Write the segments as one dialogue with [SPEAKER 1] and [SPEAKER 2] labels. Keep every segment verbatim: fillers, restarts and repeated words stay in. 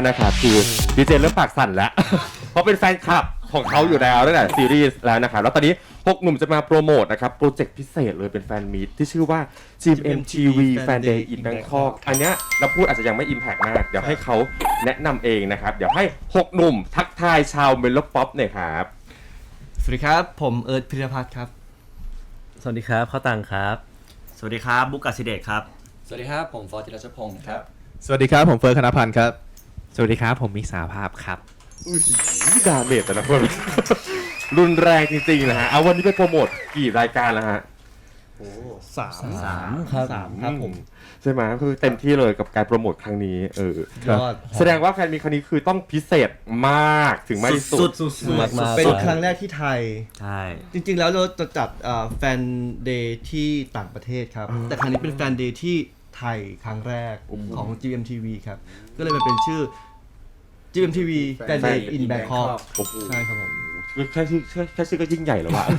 [SPEAKER 1] นะครับคือดีเจเริ่มปากสั่นแล้ว เพราะเป็นแฟนคลับของเขาอยู่แล้วตั้งแต่ซีรีส์แล้วนะครับแล้วตอนนี้หกหนุ่มจะมาโปรโมทนะครับโปรเจกต์พิเศษเลยเป็นแฟนมีตที่ชื่อว่า จี เอ็ม ที วี Fan Day in Bangkok อันเนี้ยเราพูดอาจจะยังไม่ impact มากเดี๋ยวให้เขาแนะนำเองนะครับเดี๋ยวให้หกหนุ่มทักทายชาวเมโลป๊อปหน่อยครับ
[SPEAKER 2] สวัสดีครับผมเอิร์ธพิรพัฒน์ครับ
[SPEAKER 3] สวัสดีครับข้าวตังครับ
[SPEAKER 4] สวัสดีครับบุ๊กกัสซิเดชครับ
[SPEAKER 5] สวัสดีครับผมฟอร์ติรัชพงศ์ครับ
[SPEAKER 6] สวัสดีครับผมเฟิร์สคณพันธ์ครับ
[SPEAKER 3] สวัสดีครับผมมิกษาภาพครับ
[SPEAKER 1] อุ้ยดาเมจแต่ละคน รุนแรงจริงๆนะฮะเอาวันนี้ไปโปรโมทกี่รายการแล้วฮะ
[SPEAKER 2] โอ้สาม
[SPEAKER 3] สามครับ
[SPEAKER 2] สามครับผม
[SPEAKER 1] ใช่ไหมคือเต็มที่เลยกับการโปรโมทครั้งนี้เออแสดงว่าแฟนมีครั้งนี้คือต้องพิเศษมากถึงมากที่สุด
[SPEAKER 2] มากๆเป็นครั้งแรกที่ไทย
[SPEAKER 4] ใช่
[SPEAKER 2] จริงๆแล้วเราจะจัดแฟนเดย์ที่ต่างประเทศครับแต่ครั้งนี้เป็นแฟนเดย์ที่ไทยครั้งแรกของ จี เอ็ม ที วี ครับก็เลยมาเป็นชื่อ จี เอ็ม ที วี Fan Day in Bangkok ใช่ครับผม
[SPEAKER 1] แค่ชื่อแค่ชื่อก็ยิ่งใหญ่แล้วว่ะ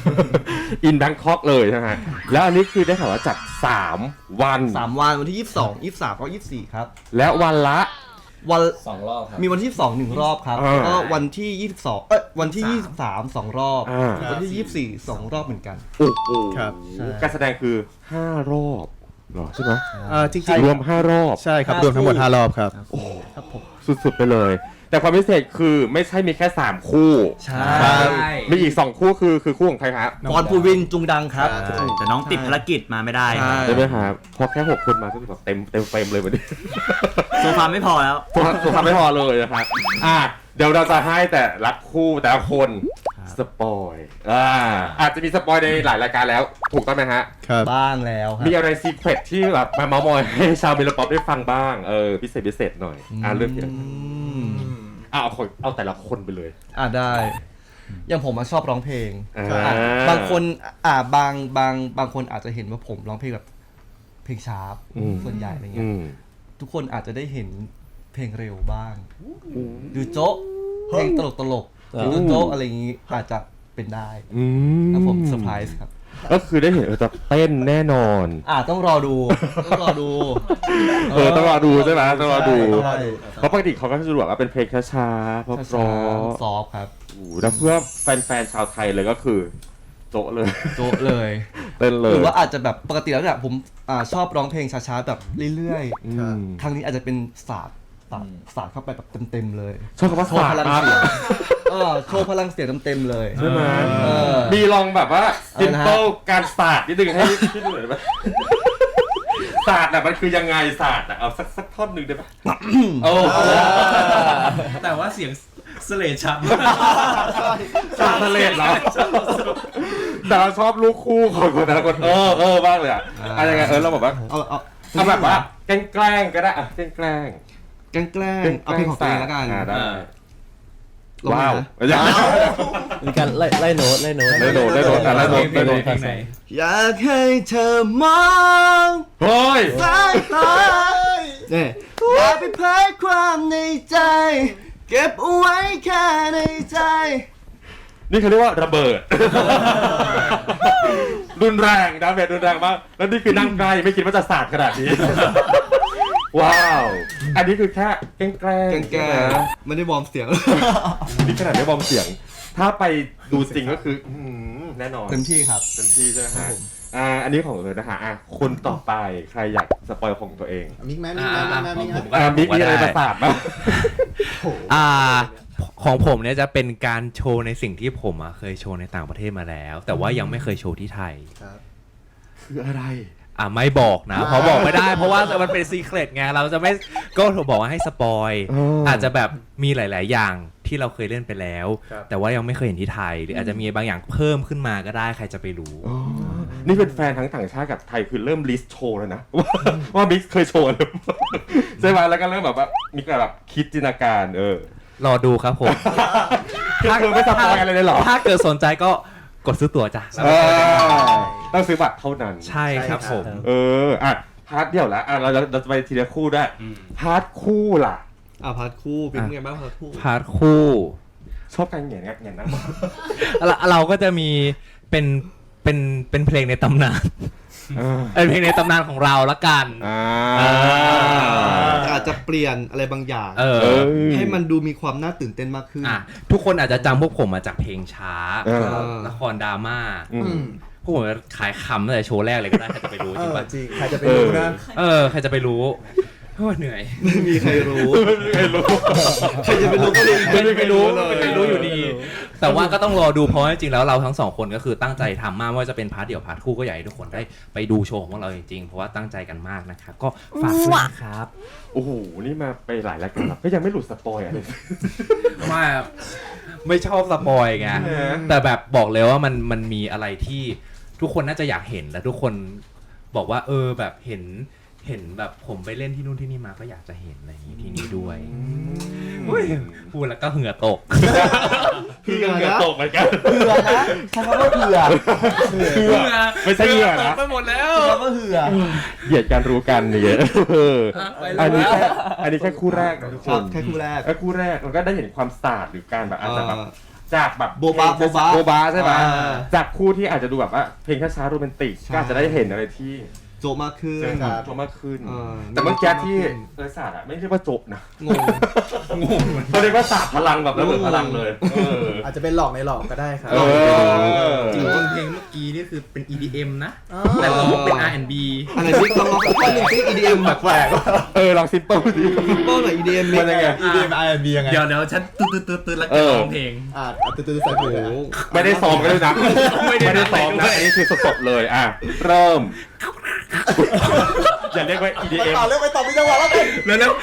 [SPEAKER 1] In Bangkok เลยนะฮะแล้วอันนี้คือได้ข่าวว่าจัดสามวัน
[SPEAKER 2] สามวันวันที่ยี่สิบสอง ยี่สิบสามก็ยี่สิบสี่ครับ
[SPEAKER 1] แล้ววันละ
[SPEAKER 2] วัน
[SPEAKER 5] สองรอบครับ
[SPEAKER 2] มีวันที่ยี่สิบสองหนึ่งรอบครับแล้วก็วันที่ยี่สิบสองเอ้ยวันที่ยี่สิบสามสองรอบวันที่ยี่สิบสี่สองรอบเหมือนกัน
[SPEAKER 1] โอ้โห
[SPEAKER 6] ครับ
[SPEAKER 1] การแสดงคือห้ารอบเหรอใช่ไหม
[SPEAKER 6] อ่าจริงๆ
[SPEAKER 1] รวมห้ารอบ
[SPEAKER 6] ใช่ครับรวมทั้งหมดห้ารอบครับ
[SPEAKER 1] โอ้ครับผมสุดๆไปเลยแต่ความพิเศษคือไม่ใช่มีแค่สามคู่
[SPEAKER 2] ใช่
[SPEAKER 1] มีอีกสองคู่คือคือคู่ของใครครับ
[SPEAKER 2] บอลภูวินจุงดังครับ
[SPEAKER 4] แต่น้องติดภารกิจมาไม่ได้
[SPEAKER 1] ใช่ไหมครับพอแค่หกคนมาก็คือแบบเต็มเต็มเฟรมเลยวันนี้
[SPEAKER 4] โซฟาไม่พอแล้ว
[SPEAKER 1] โซฟาไม่พอเลยนะครับอ่ะเดี๋ยวเราจะให้แต่ละคู่แต่ละคนสปอยอ่าอาจจะมีสปอยในหลายรายการแล้วถูกต้องไหมฮะ
[SPEAKER 6] ครับ
[SPEAKER 2] บ้างแล้ว
[SPEAKER 1] มีอะไรซีเครตที่แบบมาเมาท์มอยให้ชาวเมโลป๊อปได้ฟังบ้างเออพิเศษพิเศษหน่อยอ่าเริ่มอย่างเอาคนเอาแต่ละคนไปเลย
[SPEAKER 2] อ่าได้อย่างผมชอบร้องเพลงบางคนอ่าบางบางบางคนอาจจะเห็นว่าผมร้องเพลงแบบเพลงช้าส่วนใหญ่อะไรเงี้ยทุกคนอาจจะได้เห็นเพลงเร็วบ้างดูโจ๊ะเพลงตลกตลกดูโจ๊ะอะไรอย่างงี้อาจจะเป็นได้ครับผมเซอร์ไพรส์ครับ
[SPEAKER 1] ก็คือได้เห็นเออจะเต้นแน่นอน
[SPEAKER 2] อ่าต้องรอดูต้องรอดู
[SPEAKER 1] เออต้องรอดูใช่ไหมต้องรอดูเพราะปกติเขาก็จะดูแบบว่าเป็นเพลงช้าๆเพราะเพราะ
[SPEAKER 2] ซอฟครับ
[SPEAKER 1] แล้วเพื่อแฟนๆชาวไทยเลยก็คือโจ๊ะเลย
[SPEAKER 2] โจ๊ะเลย
[SPEAKER 1] เต้นเลย
[SPEAKER 2] หรือว่าอาจจะแบบปกติแล้วเนี่ยผมอ่าชอบร้องเพลงช้าๆแบบเรื่อยๆครั้งนี้อาจจะเป็นศาสตร์ศาสตร์ศาสตร์เข้าไปแบบเต็มๆเลย
[SPEAKER 1] ชอบคำว่าโชว์
[SPEAKER 2] พลังเสียงเออโชว์พลังเสียงเต็มๆเลย
[SPEAKER 1] ใช่ไหมมีลองแบบว่าซิมเปิลการศาสตร์นิดนึงให้พี่ดูหน่อยไหมศาสตร์น่ะมันคือยังไงศาสตร์น่ะเอาสักสักท่อนหนึ่งได้ปะโอ้
[SPEAKER 5] แต่ว่าเสียงเสลดชัด
[SPEAKER 1] ชอบเสลดเหรอแต่เราชอบลูกคู่ของคนแต่ละคนเออเออบ้างเลยอ่ะอะไรยังไงเออเราบอกว่า
[SPEAKER 2] เอาเอา
[SPEAKER 1] เอาแบบว่าแกล้งแกล้งก็ได้อ่ะแกล้งแกล้ง
[SPEAKER 2] แกล้งแกล้งเอาเพลงของตัวเองแล้วกัน
[SPEAKER 1] ว้าว
[SPEAKER 3] มีการไล่ไล่โน้ตไล่โน้ต
[SPEAKER 1] ไล่โน้ตไล่โน้ตไล่โน้ตไล่โน้ต
[SPEAKER 2] อยากให้เธอมอง
[SPEAKER 1] เฮ้ย
[SPEAKER 2] สายตาเนี่ยอย่าไปเผยความในใจเก็บเอาไว้แค่ในใจ
[SPEAKER 1] นี่เขาเรียกว่าระเบิดรุนแรงดาเมจรุนแรงมากแล้วนี่คือนั่งใกล้ไม่คิดว่าจะสาดขนาดนี้ว้าวอันนี้คือแค่แกล้งแกล้ง
[SPEAKER 2] แกล้งไม่ได้วอร์มเสียง
[SPEAKER 1] นี่ขนาดไม่วอร์มเสียงถ้าไปดูจริงก็คือแน่นอน
[SPEAKER 2] เต็มที่ครับ
[SPEAKER 1] เต็มที่ใช่ไหมฮะอ่าอันนี้ของเลยนะฮะอ่ะคนต่อไปใครอยากสปอยของตัวเอง
[SPEAKER 5] มิกแม่มิกแม่มิกแม่มิก
[SPEAKER 1] แม่มิกมีอะไรประสาทบ้าง
[SPEAKER 3] อ่าของผมเนี่ยจะเป็นการโชว์ในสิ่งที่ผมเคยโชว์ในต่างประเทศมาแล้วแต่ว่ายังไม่เคยโชว์ที่ไทย
[SPEAKER 1] คืออะไร
[SPEAKER 3] อ่ะไม่บอกนะเพราะบอกไม่ได้เพราะว่ามันเป็นซีเคร็ตไงเราจะไม่ก็ถูกบอกว่าให้สปอยอาจจะแบบมีหลายๆอย่างที่เราเคยเล่นไปแล้วแต่ว่ายังไม่เคยเห็นที่ไทยหรืออาจจะมีบางอย่างเพิ่มขึ้นมาก็ได้ใครจะไปรู้
[SPEAKER 1] นี่เป็นแฟนทั้งต่างชาติกับไทยคือเริ่มลิสต์โชว์แล้วนะว่าบิ๊กเคยโชว์หรือใช่ไหมแล้วก็เริ่มแบบว่ามีการแบบคิดจินตนาการเออ
[SPEAKER 3] รอดูครับผม
[SPEAKER 1] ถ้าเกิดไม่สปอยอะไรเลยหรอ
[SPEAKER 3] ถ้าเกิดสนใจก็กดซื้อตั๋วจ้ะ
[SPEAKER 1] ต้องซื้อบัตรเท่านั้น
[SPEAKER 3] ใช่ครับผม
[SPEAKER 1] เอออ่ะพาร์ทเดียวละอ่ะเราเราจะไปทีละคู่ได้พาร์ทคู่ล่ะ
[SPEAKER 2] อ่ะพาร์ทคู่เป็นไงบ้างพาร์ทคู่
[SPEAKER 3] พาร์ทคู่
[SPEAKER 1] ชอบกันอย่างเงี้ยอย่างนั้น
[SPEAKER 3] เราก็จะมีเป็นเป็นเป็นเพลงในตำนานเป็นเพลงในตำนานของเราละกัน
[SPEAKER 2] อาจจะเปลี่ยนอะไรบางอย่าง
[SPEAKER 3] เออ
[SPEAKER 1] เออ
[SPEAKER 2] ให้มันดูมีความน่าตื่นเต้นมากขึ้น
[SPEAKER 3] อ่ะทุกคนอาจจะจำพวกผมมาจากเพลงช้า
[SPEAKER 1] เออ
[SPEAKER 3] ละครดราม่า
[SPEAKER 1] อืม
[SPEAKER 3] พวกผมขายคำตั้งแต่โชว์แรกเลยก็ได้ใครจะไปรู้
[SPEAKER 6] เอ
[SPEAKER 3] จริง
[SPEAKER 6] อ
[SPEAKER 3] ปะ
[SPEAKER 6] จริง ใครจะไปรู้นะ
[SPEAKER 3] เออใครจะไปรู้โอ้ยเหนื่อย
[SPEAKER 2] ไม่มีใครรู้
[SPEAKER 1] ไม่รู้
[SPEAKER 2] ใครจะไปรู้ก็ไม่
[SPEAKER 3] ไม่ได้ไปรู้
[SPEAKER 2] เลย
[SPEAKER 3] ไม่ได้รู้อยู่ดี แต่ว่าก็ต้องรอดูเพราะว่าจริงๆแล้วเราทั้งสองคนก็คือตั้งใจทำมากไม่ว่าจะเป็นพาร์ทเดี่ยวพาร์ทคู่ก็อยากให้ทุกคนได้ไปดูโชว์ของพวกเราจริงๆเพราะว่าตั้งใจกันมากนะครับก็ฝากด้วยนะครับ
[SPEAKER 1] โอ้โห นี่มาไปหลายรายการแล้วก็ยังไม่หลุดสปอยอะไร
[SPEAKER 3] ไม่ไม่ชอบสปอยไง
[SPEAKER 1] เออ
[SPEAKER 3] แต่แบบบอกเลยว่ามันมันมีอะไรที่ทุกคนน่าจะอยากเห็นและทุกคนบอกว่า เออแบบเห็นเห็นแบบผมไปเล่นที่นู่นที่นี่มาก็อยากจะเห็นอะไรอย่างนี้ที่นี่ด้วยอุ๊ยพูดแล้วก็เหงื่อตก
[SPEAKER 2] เผื่อ
[SPEAKER 1] เหงื่อ
[SPEAKER 2] นะ
[SPEAKER 1] ตกเหมือนกัน
[SPEAKER 2] เผื่อนะใช้คำว่าเผื่อ
[SPEAKER 1] เหงื่อไม่ใช่เหงื่อ
[SPEAKER 3] ต
[SPEAKER 1] นะ
[SPEAKER 3] กไปหมดแล้ว
[SPEAKER 2] ใช้คำว่าเผื่อ
[SPEAKER 1] เหยียดกันรู้กันเนี่ยเออ
[SPEAKER 3] ไป
[SPEAKER 1] อัน
[SPEAKER 3] แล้
[SPEAKER 1] นี้
[SPEAKER 3] ว
[SPEAKER 1] แค่อันนี้แค่คู่แรกนะทุก
[SPEAKER 2] ค
[SPEAKER 1] ค
[SPEAKER 2] รับ
[SPEAKER 1] น
[SPEAKER 2] แค่คู่แรก
[SPEAKER 1] แค่คู่แรกมันก็ได้เห็นความศาสตร์หรือการแบบอาจจะแบบ
[SPEAKER 2] เออ
[SPEAKER 1] จากแบบ
[SPEAKER 2] โบบะโบบะ
[SPEAKER 1] โบบาใช่ไหม
[SPEAKER 2] อ่า
[SPEAKER 1] จากคู่ที่อาจจะดูแบบว่าเพลงช้าๆโรแมนติก
[SPEAKER 2] ใช่
[SPEAKER 1] ก็อาจจะได้เห็นอะไรที่
[SPEAKER 2] โจมากขึ้น
[SPEAKER 1] เจอ
[SPEAKER 6] ครับ
[SPEAKER 1] โจมากขึ้น
[SPEAKER 2] เออ
[SPEAKER 1] แต่เมื่อกี้ที่เออศาสตร์อะไม่เรียกว่าโจบนะ
[SPEAKER 2] งง
[SPEAKER 1] เขาเรียกว่าศาสตร์พลังแบบระเบิดพลังเลยเออ
[SPEAKER 6] อาจจะเป็นหลอกในหลอกก็ได้ครับ
[SPEAKER 1] เออ
[SPEAKER 5] จริงๆเพลงเมื่อกี้นี่คือเป็น อี ดี เอ็ม นะ แต่ร้องเป็น อาร์ แอนด์ บี
[SPEAKER 2] อะไรนี่ลองลองสักท่อนหนึ่งซิ อี ดี เอ็ม
[SPEAKER 6] แปลก
[SPEAKER 1] เออลองซิมเปิลดิ
[SPEAKER 2] โป้หน่อย อี ดี เอ็ม
[SPEAKER 1] มันยังไง
[SPEAKER 6] ๆ อี ดี เอ็ม อาร์ แอนด์ บี ยังไง
[SPEAKER 5] เดี๋ยวเดี๋ยวฉันตืดตืดตืดตืดแล้ว
[SPEAKER 1] เอ
[SPEAKER 5] ก็
[SPEAKER 1] อ
[SPEAKER 5] ร้องเพลง
[SPEAKER 6] อ่าตื่นตื่นใส่หูเลย
[SPEAKER 1] ไม่ได้ซ้อมกันด้วยนะ
[SPEAKER 5] ไม่ได้
[SPEAKER 1] ไม่ได้ซ้อม
[SPEAKER 5] นัด
[SPEAKER 1] นะ
[SPEAKER 5] ไปด้วย
[SPEAKER 1] อันนี้คือสดๆเลยอ่ะเริ่ม อย่าเรียกว่า อี ดี
[SPEAKER 6] ไป
[SPEAKER 1] เอ็ม
[SPEAKER 6] ต่อเรื่องไปต่อมีจังหวะแล้วกัน
[SPEAKER 5] แล้วแล้ว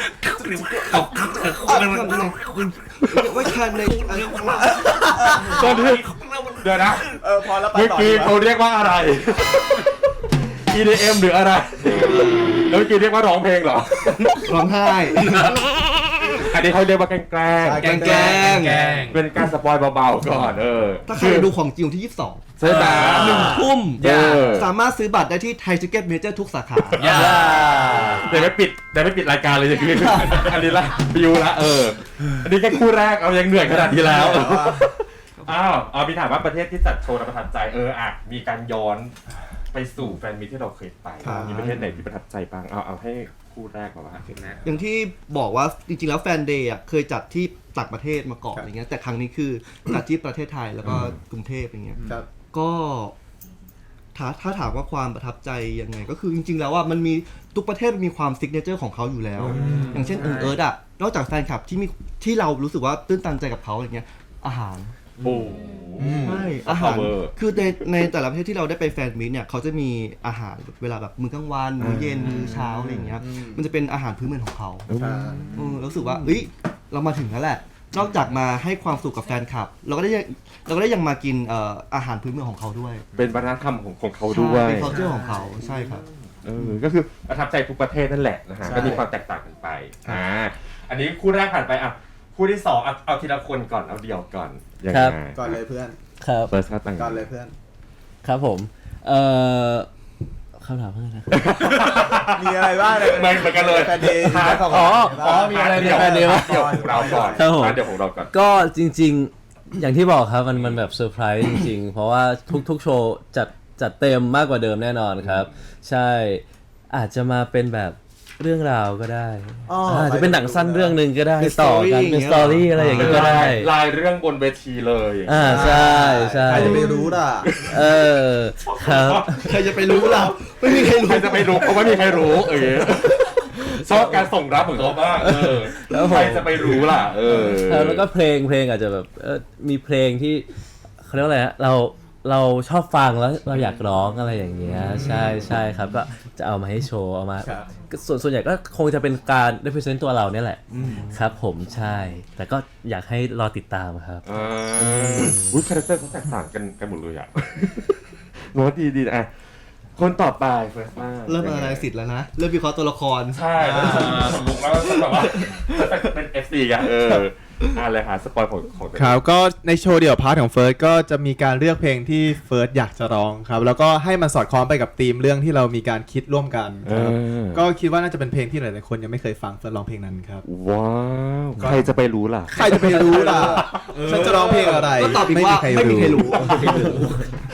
[SPEAKER 2] ว่าคันในอันนี้
[SPEAKER 1] ตอนนี้เดี๋ยวนะ
[SPEAKER 6] เออพอแล้วไป
[SPEAKER 1] เมื่อ
[SPEAKER 6] ต่อ
[SPEAKER 1] กี้
[SPEAKER 6] ดีกว่า
[SPEAKER 1] เขาเรียกว่าอะไร อี ดี เอ็ม หรืออะไร แล้วเมื่อกี้เรียกว่าร้องเพลงเหรอ
[SPEAKER 2] ร้องไห้
[SPEAKER 1] อันนี้เขาเรียกว่าแกล้ง
[SPEAKER 2] แกล้งแกล้ง
[SPEAKER 5] แกล้ง
[SPEAKER 1] ๆเป็นการสปอยเบาๆก่อนเออ
[SPEAKER 2] ถ้าใครอยากดูของจริงวันที่ยี่สิบสอง
[SPEAKER 1] ใช่ไหม
[SPEAKER 2] หนึ่งทุ่ม
[SPEAKER 1] เออ
[SPEAKER 2] สามารถซื้อบัตรได้ที่ไทยทิเก็ตเมเจอร์ทุกสาขา
[SPEAKER 5] อย่า
[SPEAKER 1] เดี๋ยวไม่ปิดเดี๋ยวไม่ปิดรายการเลยจะคืออันนี้ละบิวละเออ อันนี้แค่คู่แรกเอายังเหนื่อยขนาดนี้แล้ว อ้าวเอาพี่ถามว่าประเทศที่จัดโชว์แล้วประทับใจเอออ่ะมีการย้อนไปสู่แฟนมีตที่เราเคยไป
[SPEAKER 2] ครับ
[SPEAKER 1] มีประเทศไหนที่ประทับใจบ้างเอาเอาให้คู่แรกก่อนว่า
[SPEAKER 2] อย่างที่บอกว่าจริงๆแล้วแฟนเดย์อ่ะเคยจัดที่ต่างประเทศมาก่อนอย่างเงี้ยแต่ครั้งนี้คือจัดที่ประเทศไทยแล้วก็กรุงเทพอย่างเงี้ย
[SPEAKER 6] ครับ
[SPEAKER 2] ก็ถ้าถ้าถามว่าความประทับใจยังไง ก็คือจริงๆแล้วว่ามันมีทุกประเทศมีความซิกเนเจอร์ของเขาอยู่แล้ว อย่างเช่นเอิร์ดอ่ะนอกจากแฟนคลับที่มีที่เรารู้สึกว่าตื้นตันใจกับเขาอย่างเงี้ยอาหาร
[SPEAKER 1] โอ้
[SPEAKER 2] ใช่อาหาร
[SPEAKER 1] power
[SPEAKER 2] คือในในแต่ละประเทศที่เราได้ไปแฟนมิตเนี่ยเขาจะมีอาหารเวลาแบบมื้อกลางวันมื้อเย็นมื้อเช้าอะไรอย่างเงี้ยมันจะเป็นอาหารพื้นเมืองของเขา
[SPEAKER 6] อ่า
[SPEAKER 2] เออรู้สึกว่าเอ้ยเรามาถึงแล้วแหละ นอกจากมาให้ความสุขกับแฟนคลับ เราก็ได้ยังเราก็ได้ยังมากินเอ่ออาหารพื้นเมืองของเขาด้วย
[SPEAKER 1] เป็นวัฒนธรรมของของเขาด้วย
[SPEAKER 2] เป็น culture ของเขาใช่ครับ
[SPEAKER 1] เออก็คือประทับใจทุกประเทศนั่นแหละนะฮะ
[SPEAKER 6] ใช่
[SPEAKER 1] ก็มีความแตกต่างกันไปอ่าอันนี้คู่แรกผ่านไปอ่ะคู่ที่สองเอาเอาทีละคนก่อนเอาเดี่ยวก่อนยัง
[SPEAKER 7] ครับ
[SPEAKER 1] ไง
[SPEAKER 6] ก่อนเลยเพื่อน
[SPEAKER 7] ครับ
[SPEAKER 1] เฟิร์สครับต่าง
[SPEAKER 6] ก่อนเลยเพื่อน
[SPEAKER 7] ครับผม เอ่อคำถามเพื่อนนะครับ
[SPEAKER 6] มีอะไรบ้างเลย
[SPEAKER 1] เหมือนเหมือนกันเลย
[SPEAKER 6] แฟนเดย์
[SPEAKER 1] พาร์ท
[SPEAKER 6] ของ
[SPEAKER 7] อ๋อ
[SPEAKER 6] อ๋อ
[SPEAKER 7] มีอะไร
[SPEAKER 1] เดี่ยว
[SPEAKER 7] ในแฟนเดย์วะ
[SPEAKER 1] เดี่ยวของเราก่อน
[SPEAKER 7] ครับผม
[SPEAKER 1] พาร์ทเดี่ยวของเราก่อน
[SPEAKER 7] ก็จริงๆ อย่างที่บอกครับมันมันแบบเซอร์ไพรส์จริงๆ เพราะว่าทุกๆโชว์จัดจัดเต็มมากกว่าเดิมแน่นอนครับ ใช่อาจจะมาเป็นแบบเรื่องราวก็ได้
[SPEAKER 6] อ๋ออ่
[SPEAKER 7] าจจะเป็นหนังสั้นเรื่องหนึ่งก็ได้
[SPEAKER 2] เป็น
[SPEAKER 7] ต่อกัน
[SPEAKER 2] story
[SPEAKER 7] เป็นสตอรี่อะไรอย่างเงี้ยก็ได้
[SPEAKER 1] ลายเรื่องบนเวทีเลย
[SPEAKER 7] อ่าใช่ใช่
[SPEAKER 6] ใครจะไม่รู้ล่ะ
[SPEAKER 7] เออครับ
[SPEAKER 2] ใครจะไปรู้เราไม่มีใครรู้
[SPEAKER 1] ใครจะไปรู้เพราะว่ามีใครรู้เออชอบการส่งรับของเขามากเออ
[SPEAKER 7] แล้วผม
[SPEAKER 1] ใครจะไปรู้ล่ะเออ
[SPEAKER 7] ครับแล้วก็เพลงเพลงอาจจะแบบเออมีเพลงที่เขาเรียกว่าอะไรฮะเราเราชอบฟังแล้วเราอยากร้องอะไรอย่างเงี้ยใช่ใช่ครับก็จะเอามาให้โชว์เอามา
[SPEAKER 6] ครับ
[SPEAKER 7] ก็ส่วนส่วนใหญ่ก็คงจะเป็นการ represent ตัวเราเนี่ยแหละครับผมใช่ แต่ก็อยากให้รอติดตามครับ
[SPEAKER 1] อ่าอุ้ยคาแรคเตอร์เขาแตกต่างกันกันหมดเลยอ่ะ โน้ตดีดีอ่ะคนต่อไปเฟิร์สมา
[SPEAKER 2] เริ่มอะไรสิทธิ์แล้วนะเริ่มวิเคราะห์ตัวละคร
[SPEAKER 1] ใช่แล้วสมมุติว่าแบบว่าเป็น เอฟ ซี กันเอออ่ะเลยหาสปอยของของตัวเอง
[SPEAKER 6] ครับก็ในโชว์เดี่ยวพาร์ทของเฟิร์สก็จะมีการเลือกเพลงที่เฟิร์สอยากจะร้องครับแล้วก็ให้มันสอดคล้องไปกับธีมเรื่องที่เรามีการคิดร่วมกันครับ
[SPEAKER 1] เออ
[SPEAKER 6] ก็คิดว่าน่าจะเป็นเพลงที่หลายๆคนยังไม่เคยฟังเฟิร์สร้องเพลงนั้นครับ
[SPEAKER 1] ว้าวใครจะไปรู้ล่ะ
[SPEAKER 6] ใครจะไปรู้ล่ะฉันจะร้องเพลงอะไร
[SPEAKER 2] ก็ตอบอีกว่าไม่มีใครรู้
[SPEAKER 1] อ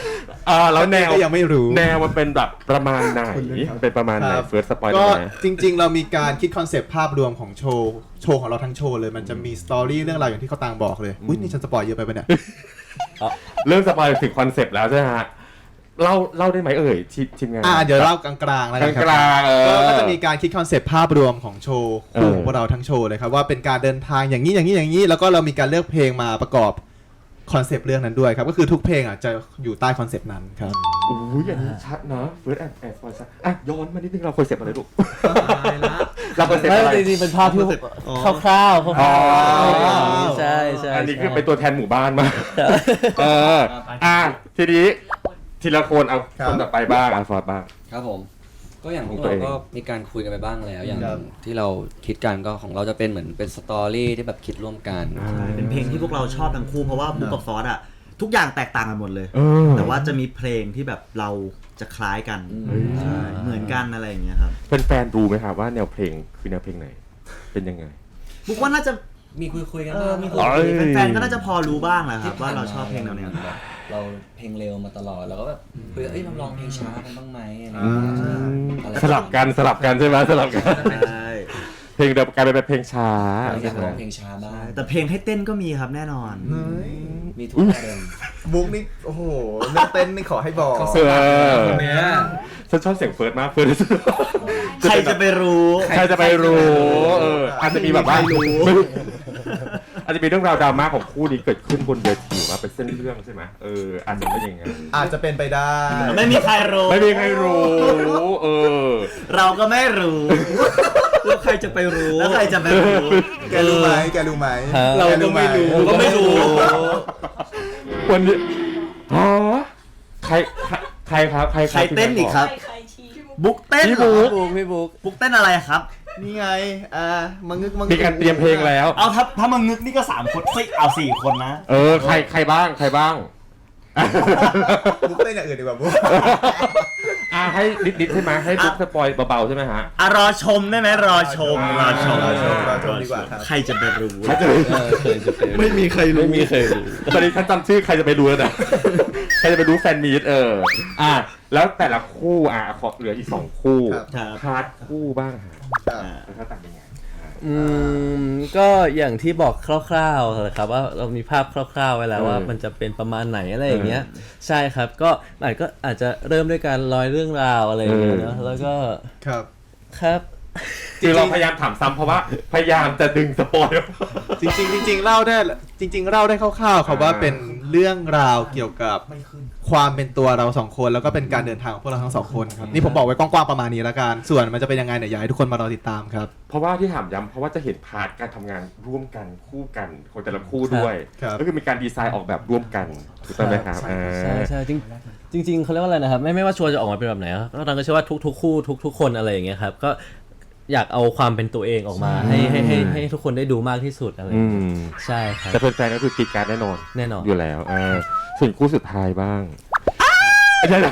[SPEAKER 1] อ่าแล้วแนว
[SPEAKER 6] ก็ยังไม่รู้
[SPEAKER 1] แนวมันเป็นแบบประมาณไหนเป็นประมาณไหน
[SPEAKER 6] ครับ
[SPEAKER 1] เฟิร์สสปอยล์
[SPEAKER 6] ก็
[SPEAKER 1] ได้ไหม
[SPEAKER 6] จริง ๆ เรามีการคิดคอนเซปต์ภาพรวมของโชว์โชว์ของเราทั้งโชว์เลยมันจะมีสตอรี่เรื่องราวอย่างที่เขาต่างบอกเลยอุ้ยนี่ฉันสปอยเยอะไปปะเนี่ย
[SPEAKER 1] เริ่มสปอยล์ถึงคอนเซปต์แล้วใช่ไหมฮะเล่าเล่าได้ไหมเอ่ยทีทีมงาน
[SPEAKER 6] อ่าเดี๋ยวเล่ากลางๆแล้วกันครั
[SPEAKER 1] กลางๆเออ
[SPEAKER 6] ก็ก็จะมีการคิดคอนเซปต์ภาพรวมของโชว์คู่
[SPEAKER 1] เออ
[SPEAKER 6] ของพวกเราทั้งโชว์เลยครับว่าเป็นการเดินทางอย่างนี้อย่างนี้อย่างนี้แล้วก็เรามีการเลือกเพลงมาประกอบคอนเซปต์เรื่องนั้นด้วยครับก็คือทุกเพลงอ่ะจะอยู่ใต้คอนเซปต์นั้นครับ
[SPEAKER 1] อุ้ยอันนี้ชัดนะเฟิร์สแอนด์แอนด์สปอยล์ชัดอ่ะย้อนมานิดนึงเราคอนเซปต์อะไรลูก
[SPEAKER 5] ตายละ
[SPEAKER 1] เราคอนเซปต์
[SPEAKER 7] ไม่
[SPEAKER 1] อะไร
[SPEAKER 7] จริงๆเป็นภาพที่คร่าวๆคร่าวๆ
[SPEAKER 1] อ๋อ
[SPEAKER 7] ใช่ใช่
[SPEAKER 1] อันนี้คือ
[SPEAKER 7] ใช่
[SPEAKER 1] เป็นตัวแทนหมู่บ้านมาเอออ่ะทีนี้ทีละคนเอา
[SPEAKER 6] ครับ
[SPEAKER 1] คนต่อไปบ้างอ่ะฟอร์ดบ้าง
[SPEAKER 8] ครับผม ก็อย่างพวก
[SPEAKER 1] ของตัว
[SPEAKER 8] เรา
[SPEAKER 1] เอง
[SPEAKER 8] ก็มีการคุยกันไปบ้างแล้ว อย่าง
[SPEAKER 6] ครับ
[SPEAKER 8] ที่เราคิดกันก็ของเราจะเป็นเหมือนเป็นสตอรี่ที่แบบคิดร่วมกัน
[SPEAKER 4] ใช่เป็นเพลงที่พวกเราชอบทั้งคู่เพราะว่าบุ๊กกับฟอสอะทุกอย่างแตกต่างกันหมดเลย
[SPEAKER 1] เออ
[SPEAKER 4] แต่ว่าจะมีเพลงที่แบบเราจะคล้ายกันใช่เหมือนกันอะไรอย่างเงี้ยครับ
[SPEAKER 1] เป็นแฟนๆรู้ไหมครับว่าแนวเพลงคือแนวเพลงไหน เป็นยังไง
[SPEAKER 4] บุ๊กว่าน่าจะ
[SPEAKER 8] มีคุยคุยๆกัน
[SPEAKER 4] เอ
[SPEAKER 8] บ้า
[SPEAKER 4] อง มีค
[SPEAKER 8] คน รับ
[SPEAKER 1] เอ้ย
[SPEAKER 4] แฟนๆก็น่าจะพอรู้บ้างแหละครับว่าเราชอบเพลงแนวเนี้ย
[SPEAKER 8] แบบเราเพลงเร็วมาตลอดแล้วก็แบบคุยเอ้ยเราลองเพลงช้ากันบ้างไหมอะไรอย่างเงี้ยอะไร
[SPEAKER 1] สลับกันสลับกันใช่ไหมสลับกัน
[SPEAKER 4] ใช่
[SPEAKER 1] เพลงเดิมกลายเป็นเพลงช้า
[SPEAKER 8] อยาก
[SPEAKER 1] ใช่ไห
[SPEAKER 8] ล
[SPEAKER 1] ม
[SPEAKER 8] องเพลงช้าบ้าง
[SPEAKER 4] แต่เพลงให้เต้นก็มีครับแน่นอน
[SPEAKER 8] มีทุกอารมณ์
[SPEAKER 6] บุ๊กนี่โอ้โหเรื่องเต้นนี่ขอให้บอก
[SPEAKER 1] เออ
[SPEAKER 5] คนเนี้ย
[SPEAKER 1] ฉันชอบเสียงเฟิร์สมากเฟิร์ส
[SPEAKER 4] ใครจะไปรู้
[SPEAKER 1] ใครจะไปรู้เอออาจจะมีแบบว่าไม่รู้อาจจะมีเรื่องราวดราม่าของคู่นี้เกิดขึ้นบนเวทีว่าเป็นเส้นเรื่องใช่ไหมเอออาจจะไม่อย่างงั้น
[SPEAKER 6] อาจจะเป็นไปได้
[SPEAKER 4] ไม่มีใครรู้
[SPEAKER 1] ไม่มีใครรู้เออ
[SPEAKER 4] เราก็ไม่รู้
[SPEAKER 5] แล้วใครจะไปรู้
[SPEAKER 4] แล้วใครจะไปรู้
[SPEAKER 6] แกรู้ไหมแกรู้ไหม
[SPEAKER 7] เรา
[SPEAKER 6] แ
[SPEAKER 7] ก็ไม่รู้
[SPEAKER 6] ห
[SPEAKER 4] ก็ไม่รู้
[SPEAKER 1] วันนี้อ๋อใครใครใครครับใคร
[SPEAKER 4] ใครเต้นอีกครับ บุ๊กเต้น
[SPEAKER 1] พี่
[SPEAKER 4] เหร
[SPEAKER 1] บุ๊
[SPEAKER 4] อก
[SPEAKER 7] บุ๊กพี่บุ๊ก
[SPEAKER 4] บุ๊กเต้นอะไรครับ
[SPEAKER 6] นี่ไงอ่ามังงึกมังงึ
[SPEAKER 1] มีการเตรียมเพลงแล้ว
[SPEAKER 4] เอาถ้าถ้ามึงนึกนี่ก็สามคนเฮ้ยเอาสี่คนนะ
[SPEAKER 1] เออใครใครบ้างใครบ้าง
[SPEAKER 6] บุ๊กเต้นอย่างอื่นดีกว่าบุ๊ก
[SPEAKER 1] อ่าให้นิดนิดๆใช่ไหมให้บุ๊กสปอยเบาๆใช่ไหมฮะ
[SPEAKER 4] อ่ะรอชมได้ไหมรอชมรอชม
[SPEAKER 6] รอชมรอชมดีกว่าครับ
[SPEAKER 4] ใครจะไปรู้
[SPEAKER 1] ใครจะไป
[SPEAKER 7] เออเคยจะเป็น
[SPEAKER 6] ไม่มีใครรู้
[SPEAKER 7] ไม่มีเคยรู้
[SPEAKER 1] ตอนนี้ฉันจำชื่อใครจะไปรู้แล้วนะ ใครจะไปรู้แฟนมีตเอออ่ะแล้วแต่ละคู่อ่ะขอเหลืออีกสองคู่
[SPEAKER 4] ครับ
[SPEAKER 1] พาร์ทคู่บ้างฮะ
[SPEAKER 6] ครับ
[SPEAKER 1] แล้วก็ต่างยังไง
[SPEAKER 7] อืมก็อย่างที่บอกคร่าวๆเลยครับว่าเรามีภาพคร่าวๆไว้แล้วว่ามันจะเป็นประมาณไหนอะไรอย่างเงี้ยใช่ครับก็อาจก็อาจจะเริ่มด้วยการร้อยเรื่องราวอะไรอย่างเงี้ยเนอะแล้วก็
[SPEAKER 6] ครับ
[SPEAKER 7] ครับ
[SPEAKER 1] คือเราพยายามถามซ้ำเพราะว่าพยายามจะดึงสปอยล์
[SPEAKER 6] จริงๆจริงๆเล่าได้จริง ๆเล่าได้คร่าวๆครับว่าเป็นเรื่องราวเกี่ยวกับความเป็นตัวเราสองคนแล้วก็เป็นการเดินทางของพวกเราทั้งสองคนครับนี่ผมบอกไว้กว้างๆประมาณนี้แล้วกันส่วนมันจะเป็นยังไงเนี่ยอยากให้ทุกคนมารอติดตามครับ
[SPEAKER 1] เพราะว่าที่ถามย้ำเพราะว่าจะเห็นพาร์ทการทำงานร่วมกันคู่กันของแต่ละคู่ด้วย
[SPEAKER 6] ครับ
[SPEAKER 1] ก็คือมีการดีไซน์ออกแบบร่วมกันถูกต้องไหมครับ
[SPEAKER 7] ใช่ใช่จริงจริงๆเขาเรียกว่าอะไรนะครับไม่ไม่ว่าโชว์จะออกมาเป็นแบบไหนก็ตอนก็เชื่อว่าทุกๆคู่ทุกๆคนอะไรอย่างเงี้ยครับก็อยากเอาความเป็นตัวเองออกมาให้ให้ให้ให้ทุกคนได้ดูมากที่สุดอะไรอ
[SPEAKER 1] อื
[SPEAKER 7] ย่างเงี้ย
[SPEAKER 1] ม
[SPEAKER 7] ใช่ครับ
[SPEAKER 1] แต่แฟนๆก็คือกรีดการดแน่นอน
[SPEAKER 7] แน่นอน
[SPEAKER 1] อยู่แล้วอ่าส่วนคู่สุดท้ายบ้างใช่หรอ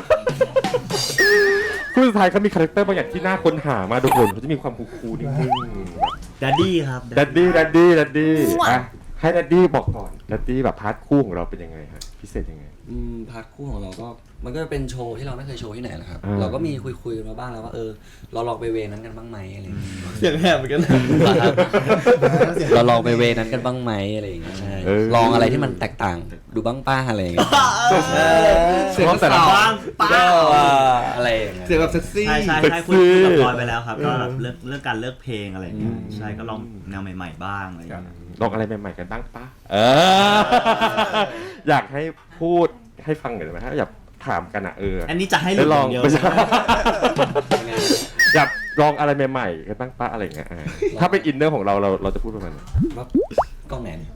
[SPEAKER 1] คู่สุดท้ายเขามีคาแรคเตอร์บางอย่างที่น่าค้นหามาทุกคนเขาจะมีความคูลๆนิ่งๆ
[SPEAKER 4] ดัดดี้ครับ
[SPEAKER 1] ดัดดี้ดัดดี้ดัดดี้อ่ะให้ดัดดี้บอกก่อนดัดดี้แบบพาร์ทคู่ของเราเป็นยังไงฮะพิเศษยังไง
[SPEAKER 8] อืมพาร์ทคู่ของเราก็มันก็เป็นโชว์ที่เราไม่เคยโชว์ที่ไหนแหละครับ
[SPEAKER 1] อ่า
[SPEAKER 8] เราก็มีคุยคุยๆกันมาบ้างแล้วว่าเออเราลองไปเวนั้นกันบ้างไหมอะไรอย่างเงี้ย
[SPEAKER 6] เสียงแหบเหมือนกัน
[SPEAKER 8] เราลองไปเวนั้นกันบ้างไหมอะไรอย่างเงี้ยใช่
[SPEAKER 1] เออ
[SPEAKER 8] ลองอะไรที่มันแตกต่างดูบ้างป้าอะไรอย่างเงี้ย
[SPEAKER 1] เสียงแต่ละ
[SPEAKER 4] บ้างป้า
[SPEAKER 8] อะไรอย่างเงี้ย
[SPEAKER 6] เสียงแบบเซ็กซี่
[SPEAKER 4] ใช่ใช่
[SPEAKER 1] เซ็ก
[SPEAKER 4] ใช่
[SPEAKER 1] ซี่
[SPEAKER 4] คุยกับพลอยไปแล้วครับก็แบบเรื่องเรื่องการเลือกเพลงอะไรอย่างเงี้ยใช่ก็ลองแนวใหม่ๆบ้างอะไรอย่างเงี้ย
[SPEAKER 1] ลองอะไรใหม่ๆกันบ้างปะเออ อยากให้พูดให้ฟังหน่อยได้ไหมฮะอยากถามกันอ่ะเออ
[SPEAKER 4] อันนี้จะให้
[SPEAKER 1] ได้ลอง
[SPEAKER 4] เดียว
[SPEAKER 1] ไม่ใช่ อยากลองอะไรใหม่ๆกันบ้างปะอะไรอย่างเงี้ยอ่าถ้าเป็นอินเนอร์ของเราเราเราจะพูดประมาณไหน
[SPEAKER 8] ว่ากล้องไหนเนี่ย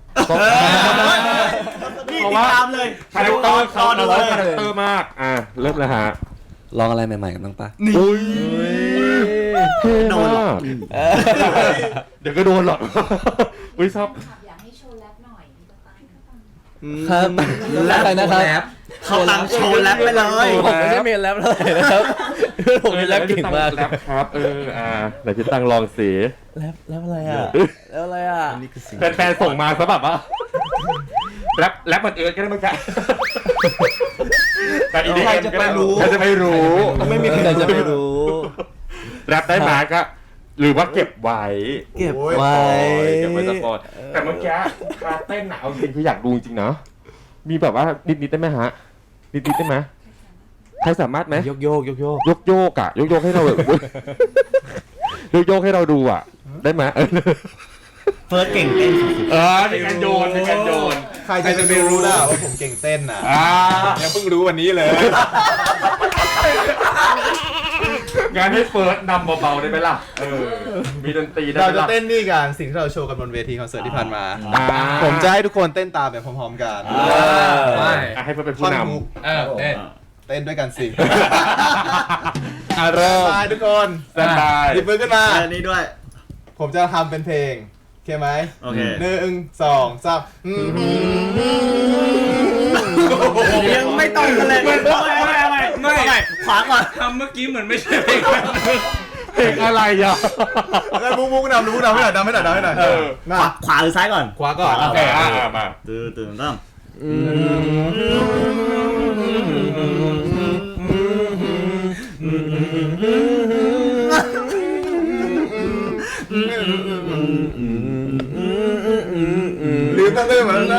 [SPEAKER 4] นี่ติดตามเลย
[SPEAKER 1] คาแรคเตอร์เขา
[SPEAKER 4] ดู
[SPEAKER 1] เรา
[SPEAKER 4] เลย
[SPEAKER 1] คาแรคเตอร์มากอ่ะเริ่มเลยฮะ
[SPEAKER 8] ลองอะไรใหม่ๆกันบ้างป้า
[SPEAKER 1] อุ้ยเท่
[SPEAKER 4] โดนหรอ
[SPEAKER 1] มากเดี๋ยวก็โดนหรอกอุ้ยชอบ
[SPEAKER 9] อยากให้โชว์แรปหน่อยมีประกันก็ฟัง
[SPEAKER 7] ครับแล้วอะไรนะครับ
[SPEAKER 4] เขาตังโชว์แรปไปเลย
[SPEAKER 7] ผมไม่ใช่เมนแรปเลยนะครับผมเป็นแรปเก่งมาก
[SPEAKER 1] แรปครับเอออ่าไหนพี่ตังลองสิ
[SPEAKER 7] แรปแรปอะไรอ่ะแรปอะไรอ่ะ
[SPEAKER 1] แฟนๆส่งมาซะแบบว่าแรปแรปมันเอิร์ดก็ได้มั้งจ๊ะแต่อีดี
[SPEAKER 2] ใคร
[SPEAKER 1] เอ็ม
[SPEAKER 2] จะ
[SPEAKER 1] ก็
[SPEAKER 2] ไป
[SPEAKER 1] ได้
[SPEAKER 2] รู้
[SPEAKER 1] ใครจะไปรู้
[SPEAKER 2] ไม่มีใคร
[SPEAKER 7] แต่
[SPEAKER 2] จะ
[SPEAKER 7] จะ
[SPEAKER 2] ไป
[SPEAKER 7] ไม่
[SPEAKER 2] รู้
[SPEAKER 7] รู้
[SPEAKER 1] แรปได้มาก็หรือว่าเก็บไว้
[SPEAKER 2] เก็บ
[SPEAKER 6] โอ้ย
[SPEAKER 2] ไว้
[SPEAKER 1] เก็บไว้สปอยแต่เมื่อกี้คาเต้นอะเอาจริงคืออยากดูจริงๆนะมีแบบว่านิดๆได้ไหมฮะนิดๆได้ไหมใครสามารถไหม
[SPEAKER 7] โยกโยกโยกโยก
[SPEAKER 1] ยกโยกอะยกโยกให้เราแบบ ยกโยกให้เราดูอะได้ไหมเออ
[SPEAKER 4] เฟิร์สเก่งเต้นสุด
[SPEAKER 1] เออมีการโยนมีการโยน
[SPEAKER 6] ใครจะไปรู้ล่ะว่าผมเก่งเต้นอ่ะ
[SPEAKER 1] อ่า
[SPEAKER 6] ยังเพิ่งรู้วันนี้เลย
[SPEAKER 1] งานให้เฟิร์สนำเบาๆได้ไหมล่ะเออมีดนตรีได้
[SPEAKER 6] เรา
[SPEAKER 1] ไหม
[SPEAKER 6] จะ
[SPEAKER 1] ล่ะ
[SPEAKER 6] เต้นนี่กันสิ่งที่เราโชว์กันบนเวทีคอนเสิร์ตที่ผ่านมา
[SPEAKER 1] อ่า
[SPEAKER 6] ผมจะให้ทุกคนเต้นตามไปพร้อมๆกัน
[SPEAKER 1] อ่ะให้เฟิร์สเป็นผู้
[SPEAKER 6] ท่อน
[SPEAKER 1] น
[SPEAKER 6] ฮุก
[SPEAKER 5] เออเต้น
[SPEAKER 6] เต้นด้วยกันสิ
[SPEAKER 1] ำอ่ะเริ่ม
[SPEAKER 6] บายทุกคน
[SPEAKER 1] สบาย
[SPEAKER 6] หยิบมือขึ้นมา
[SPEAKER 4] ๆอันนี้ด้วย
[SPEAKER 6] ผมจะทำเป็นเพลงโอเคไหม
[SPEAKER 4] โอเค
[SPEAKER 6] หนึ่งสองสามอืม
[SPEAKER 4] ยังไม่ต้องกันเลยไม่ไม่ไม่ไม่ไม่ขวาก่อน
[SPEAKER 5] ทำเมื่อกี้เหมือนไม่ใช่เพลง
[SPEAKER 1] เพลงอะไรอ่ะ
[SPEAKER 6] แล้วมุกมุกนำมุกนำให้หน่อยนำให้หน่อยนำให้หน่อย
[SPEAKER 1] เออ
[SPEAKER 6] มา
[SPEAKER 4] ขวาขวาหรือซ้ายก่อน
[SPEAKER 6] ขวาก่อน
[SPEAKER 1] โอเคอ่ะอ่ะมา
[SPEAKER 4] ตื่นตื่นตั้ม
[SPEAKER 6] ลืมตั้งเต้นเหมือนกันนะ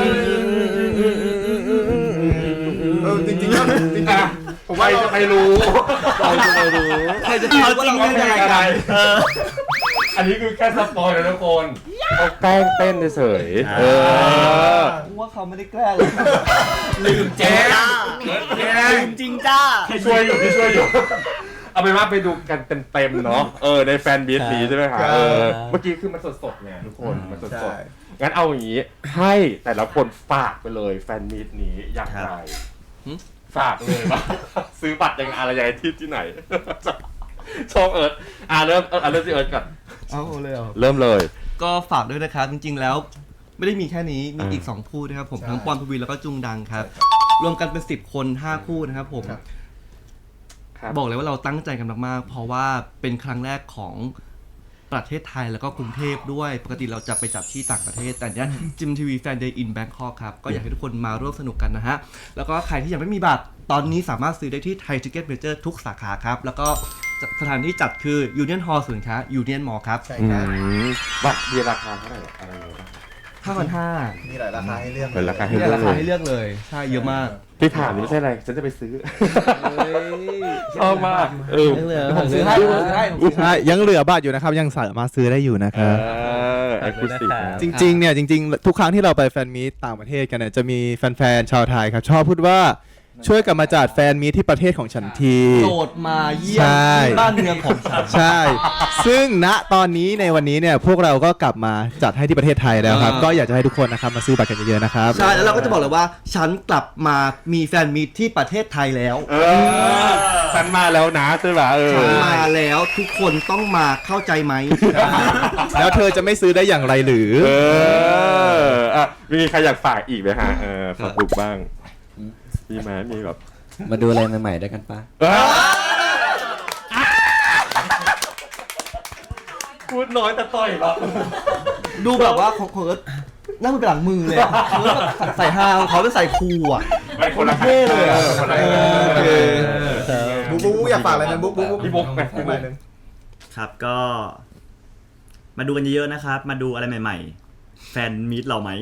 [SPEAKER 6] เออจริงๆแล้วจริง
[SPEAKER 1] อ่ะ
[SPEAKER 6] ๆผม
[SPEAKER 1] ใคร
[SPEAKER 6] ว่าเรา
[SPEAKER 1] จะไปรู้
[SPEAKER 7] ใครจะไปรู้
[SPEAKER 2] ใครจะคิดว่าเรา
[SPEAKER 1] ว่า
[SPEAKER 2] เล่น
[SPEAKER 1] เพล
[SPEAKER 2] อะไร
[SPEAKER 1] งอะไร
[SPEAKER 2] กัน
[SPEAKER 1] เอออันนี้คือแค่สปอยล์นะทุกคนเขาแกล้งเต้นเฉยๆเออ
[SPEAKER 2] ว่าเขาไม่ได้แกล้งเลย
[SPEAKER 4] ลืมเจ๊ลืมจริงจ้า
[SPEAKER 1] พี่ช่วยอยู่พี่ช่วยอยู่ เอาเป็นว่าไปดูกันเต็มๆเนาะเออในแฟนบีทนี้ใช่ไหมคะเออเมื่อกี้คือมันสดๆไงทุกคนมันส
[SPEAKER 6] ใช่
[SPEAKER 1] ดๆงั้นเอาอย่างนี้ให้แต่ละคนฝากไปเลยแฟนมีตนี้อย่างไรฝากเลยว่า ซื้อบัตรยังอะไรยังไงที่ที่ไหน ชอบเอิร์ธอ่าเริ่มเอออ่ะเริ่มที่เอิร์ธก่อน
[SPEAKER 2] เอาเลยเหรอ
[SPEAKER 1] เริ่มเลย
[SPEAKER 2] ก็ฝากด้วยนะครับ จริงๆแล้วไม่ได้มีแค่นี้มี
[SPEAKER 1] อ่า
[SPEAKER 2] อีกสองคู่นะครับผม
[SPEAKER 6] ใช่
[SPEAKER 2] ทั้งปอนทวีแล้วก็จุงดังครับ รวมกันเป็นสิบคนห้าคู่นะครับผม
[SPEAKER 6] ครับ
[SPEAKER 1] ครับ
[SPEAKER 2] บอกเลยว่าเราตั้งใจกันมากๆเพราะว่าเป็นครั้งแรกของประเทศไทยแล้วก็กรุงเทพด้วยปกติเราจะไปจัดที่ต่างประเทศ แต่เนี้ยจิมทีวีแฟนเดย์อินแบงคอกครับก็อยากให้ทุกคนมาร่วมสนุกกันนะฮะแล้วก็ใครที่ยังไม่มีบัตรตอนนี้สามารถซื้อได้ที่ไทยทิกเก็ตเมเจอร์ทุกสาขาครับแล้วก็สถานที่จัดคือยูเนียนฮอลล์ศูนย์ค้ายูเนียนมอลล์ครับ
[SPEAKER 6] ใช่
[SPEAKER 1] อื
[SPEAKER 6] ครับ
[SPEAKER 1] มบัตรมีราคาเท่าไหร่อะไรอย่างเงี้ย
[SPEAKER 2] ห้าพันห้า
[SPEAKER 6] มีหลายราคาให้เลือก
[SPEAKER 1] เป็นราคาให้
[SPEAKER 2] เนี่ยราคาให้เลือกเลยใช่เยอะมาก
[SPEAKER 1] ที่ถามนี่ไม่ใช่อะไร ฉันจะไปซื้อชอบมากเออ
[SPEAKER 7] ยังเหลือ
[SPEAKER 2] ผมซื้อให้ผมซื้อให้ผมซื้อให้
[SPEAKER 6] ใช่ยังเหลือบัตรอยู่นะครับยังสามารถซื้อได้อยู่นะค
[SPEAKER 1] เอ
[SPEAKER 6] รับ
[SPEAKER 1] อเอ็กซ์คลูซีฟ
[SPEAKER 6] จริงๆเนี่ยจริงๆ ทุกครั้งที่เราไปแฟนมีตต่างประเทศกันเนี่ยจะมีแฟนๆชาวไทยครับชอบพูดว่าช่วยกันมาจัดแฟนมีตที่ประเทศของฉันที
[SPEAKER 2] โปรดมาเยี่ย
[SPEAKER 6] ใช่
[SPEAKER 2] มที่บ้านเมืองของฉัน
[SPEAKER 6] ใช่ ซึ่งณตอนนี้ในวันนี้เนี่ยพวกเราก็กลับมาจัดให้ที่ประเทศไทยแล้วครับ
[SPEAKER 2] อ่า
[SPEAKER 6] ก็อยากจะให้ทุกคนนะครับมาซื้อบัตรกันเยอะๆนะครับ
[SPEAKER 2] ใช่แล้วเราก็จะบอกเลยว่า ฉันกลับมามีแฟนมีตที่ประเทศไทยแล้ว
[SPEAKER 1] เออฉันมาแล้วนะใช่ไหมเออ
[SPEAKER 2] ฉันมาแล้วทุกคนต้องมาเข้าใจไหม
[SPEAKER 6] แล้วเธอจะไม่ซื้อได้อย่างไรหรือ
[SPEAKER 1] เอออ่ะมีใครอยากฝากอีกไหมฮะเออฝากบุกบ้างมีไหมมีแบบ
[SPEAKER 8] มาดูอะไรใหม่ๆด้วยกันปะ
[SPEAKER 1] พูดน้อยแต่ต่อยหรอ
[SPEAKER 2] ดูแบบว่าของของเอิร์ธนั่งเป็นหลังมือเลยอะเอิร์ธแบบใส่ฮาของเขาเป็นใส่คูลอ่ะ
[SPEAKER 1] ไม่คนละ
[SPEAKER 2] เท่เลยอะ
[SPEAKER 1] คนละ
[SPEAKER 2] เออ
[SPEAKER 1] โอเค
[SPEAKER 6] บุ๊กบุ๊กบุ๊กอยากฝากอะไรนะบุ๊กบุ๊กบุ๊ก
[SPEAKER 1] พี่บุ๊กไหม
[SPEAKER 6] พี่บุ๊กหนึ่ง
[SPEAKER 4] ครับก็ มาดูกันเยอะๆนะครับ มาดูอะไรใหม่ๆ แฟนมีตเราไหม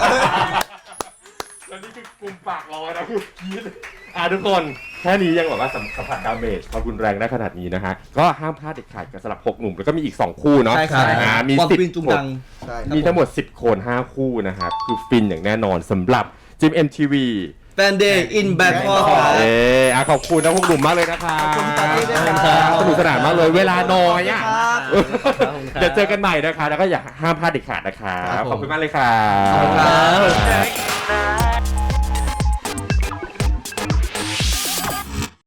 [SPEAKER 1] แล้วนี่คือกลุ่มปากรอนะคือคิดอ่ะทุกคนแค่นี้ยังแบบว่าสัมสัมผัสดาเมจความรุนแรงได้ขนาดนี้นะฮะก็ห้ามพลาดเด็ดขาดกับสลับหกหนุ่มแล้วก็มีอีกสองคู่เนาะ
[SPEAKER 2] ใช่ครับ
[SPEAKER 1] อ่ามี
[SPEAKER 2] บอล
[SPEAKER 1] สิบ
[SPEAKER 2] วินจุง
[SPEAKER 1] คน
[SPEAKER 2] ดัง
[SPEAKER 6] ใช่
[SPEAKER 1] มีทั้งหมดสิบคนห้าคู่นะครับคือฟินอย่างแน่นอนสำหรับจิม เอ็ม ที วี
[SPEAKER 2] แฟนเดย์อินแบงคอก
[SPEAKER 1] เอออ่ะขอบคุณนะพวกหนุ่มมากเลยนะครับ
[SPEAKER 2] ขอบคุณปาร์ตี้ด้วยครับ
[SPEAKER 1] สนุกสนานมากเลยเวลาน้อยอ่ะ
[SPEAKER 2] ครับ
[SPEAKER 1] เดี๋ยวเจอกันใหม่นะคะแล้วก็อย่าห้ามพลาดเด็ดขาดนะครับขอบคุณมากเลยครับ
[SPEAKER 2] ขอบคุณครับ